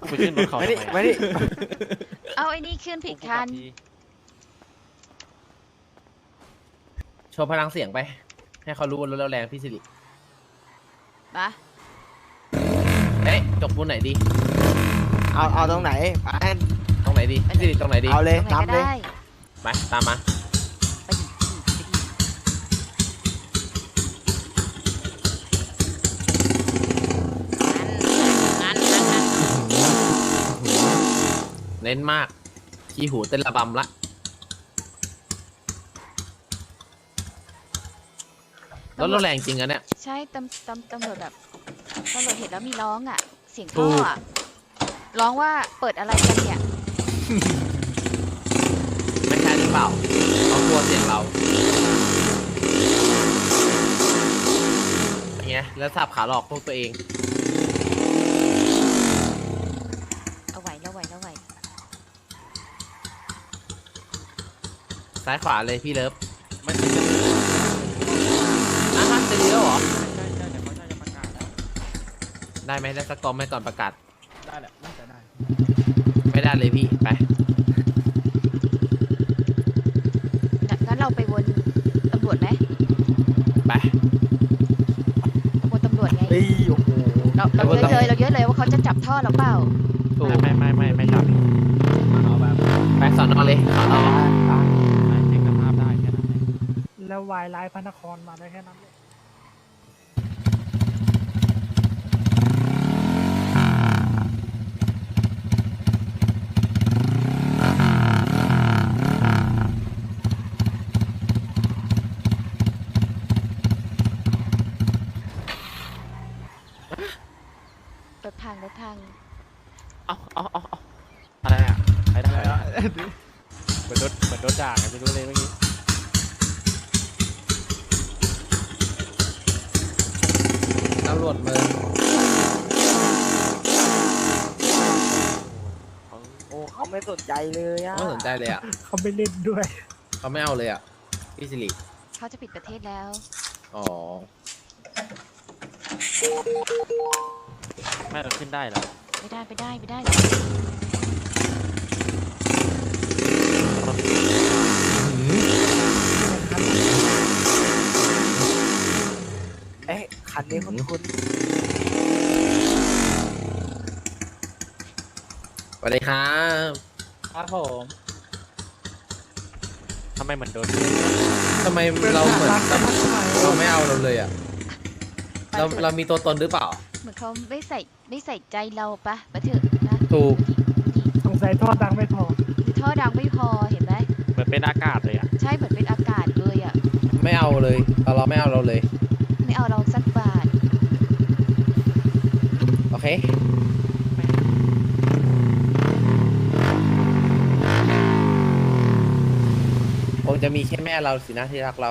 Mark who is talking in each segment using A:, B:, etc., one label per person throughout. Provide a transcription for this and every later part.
A: ไปขึ้นรถเขา
B: ไม่
A: ทำ
B: ดิ
A: ไม
B: ไม่ดิ
C: เอาไอ้นี่ขึ้นผิดคัน
D: โชว์พลังเสียงไป ให้เขารู้ว่ารถเราแรงพี่สิริ
C: มา
D: เอ๊ะจกบนไหนดี
B: เอาตรงไหนไป
D: ตรงไหนดีพี่สิริตรงไหนดี
B: เอาเลย
C: ตรงไหน
B: ตาม
C: ก็
B: เลย
C: ได้
D: ไปตามมา
C: ไปดิไปดิงั้น
D: เน้นมากขี้หูเต้นระบำละรถเราแรงจริงอะเนี่ย
C: ใช่ตำรวจแบบตำรวจเห็นแล้วมีร้องอ่ะ เสียง
D: ถู
C: ท่อก อ่ะ ร้องว่าเปิดอะไรกันเนี่ย
D: ไม่ใช่หรือเปล่าเขากลัวเสียงเราอย่างเงี้ยแล้วสับขาหลอกพวกตัวเอง
C: เอาไหวแล้วไหวแล้วไหว
D: ซ้ายขวาเลยพี่เลิฟ
A: ไม่ใช่จะ
D: อ่ะฮะจะดีแล้วเหรอ
A: ใช่เดี๋ยวเขาจะประกาศแล้ว
D: ได้ไหมได้สักกอมไหมก่อนประกาศ
A: ได้แหละน่าจะได้
D: ไม่ได้เลยพี่ไป
C: งั้นเราไปวนตำรวจไหม
D: ไป
C: วนตำรวจไง
B: เฮ้ยโอ้โห
C: เราเยอะเลยเราเยอะเลยว่าเขาจะจับท่อเราเปล่า
D: ถูก
A: ไม่จับเอาแบบ
D: ไปสอนอเลยสอนอ
A: เช็คสภาพได้แค่นั้นเอง
E: แล้ววายไลน์พระนครมาได้แค่นั้นเลย
C: รถพังรถพัง
A: เอาอะไรอ่ะใครได้อะไรอ่ะเหมือนรถด่าไงไม่รู้เลยเมื่อกี้
D: ตำรวจเมือง
B: โอ้เขาไม่สนใจเลยอ่ะ
D: ไม่สนใจเลยอ่ะ
E: เขาไม่เล่นด้วย
D: เขาไม่เอาเลยอ่ะพี่สิริ
C: เขาจะปิดประเทศแล้ว
D: อ๋อ
A: ไม่เราขึ้นได้เหรอ
C: ไม่ได้ไม่ได้ไม่ได้
B: เอ๊ะคันนี้คุณ
D: สวัสดีครับ
A: ครับผมทำไมเหมือนโดน
D: ทำไมเราเหมือนแบบเราไม่เอาเราเลยอ่ะเรามีตัวตนหรือเปล่า
C: เหมือนเขาไม่ใส่ใจเราปะเถอะนะ
D: ถูก
E: สงสัยท่อดังไม่พอ
C: ดูท่อดังไม่พอเห็นไหม
A: เหมือนเป็นอากาศเลยอ่ะ
C: ใช่เหมือนเป็นอากาศเลยอ่ะ
D: ไม่เอาเลยตอนเราไม่เอาเราเลย
C: ไม่เอาเราสักบาท
D: โอเคคงจะมีแค่แม่เราสินะที่รักเรา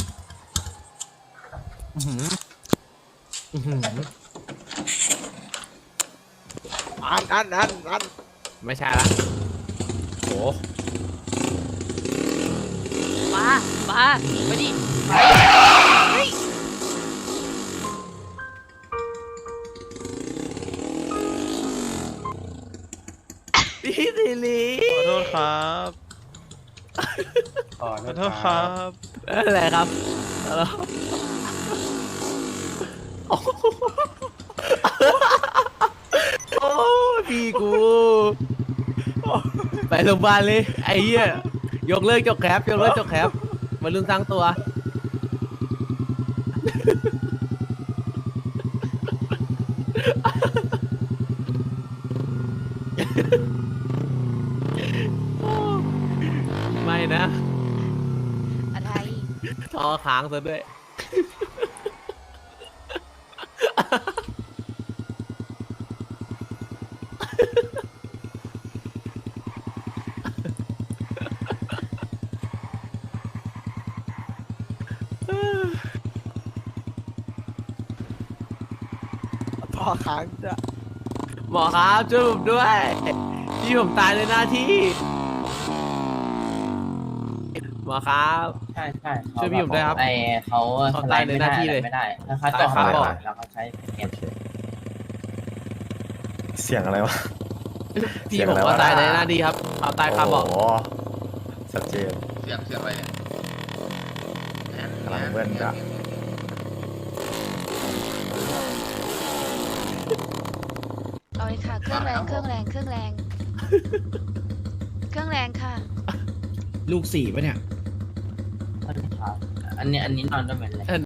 D: อื้อหืออื้อหือ
B: อัน
D: ไม่ใช่ละโห
C: มาไปดิไปเฮ้ย
D: พี่สิริ
A: ขอโทษครับขอโทษครับ
D: อะไรครับแล้วโอ้พี่กูไปโรงพยาบาลเลยไอ้เหี้ยยกเลิกจกแคปมาลืมสร้างตัวไม่นะ
C: อะไร
D: ทอค้างซะด้วย
B: พ่อค้างจะ
D: หมอครับช่วยผมด้วยพี่ผมตายในหน้าที่หมอครับ
F: ใช่ใช่
D: ช่วยพี่ผมด้วยครับ
F: ไอเขา
D: เขา
F: สไล
D: ตาย
F: ด์
D: ใน
F: ไม่
D: หน้า
F: ได้
D: ที่เลย
F: ไม่ได้ถ้าเขาต่อ
D: ตายครับ
F: มาแล้วเขาใช้เก็บ
G: เสียงอะไรวะ
D: พี่ผมว่าตายในหน้าดีครับเอาตายคาเบอก
F: โอ้โหชัดเจน
G: เสียงอะไรเนี่ย
F: พลังเบิ้ลจ้ะ
C: เอาเลยค่ะ เครื่องแรงเครื่องแรงเครื่องแรง เครื่องแรงค่ะ
H: ลูกสี่ปะเนี่ย
I: อันนี้นอนได้ไหม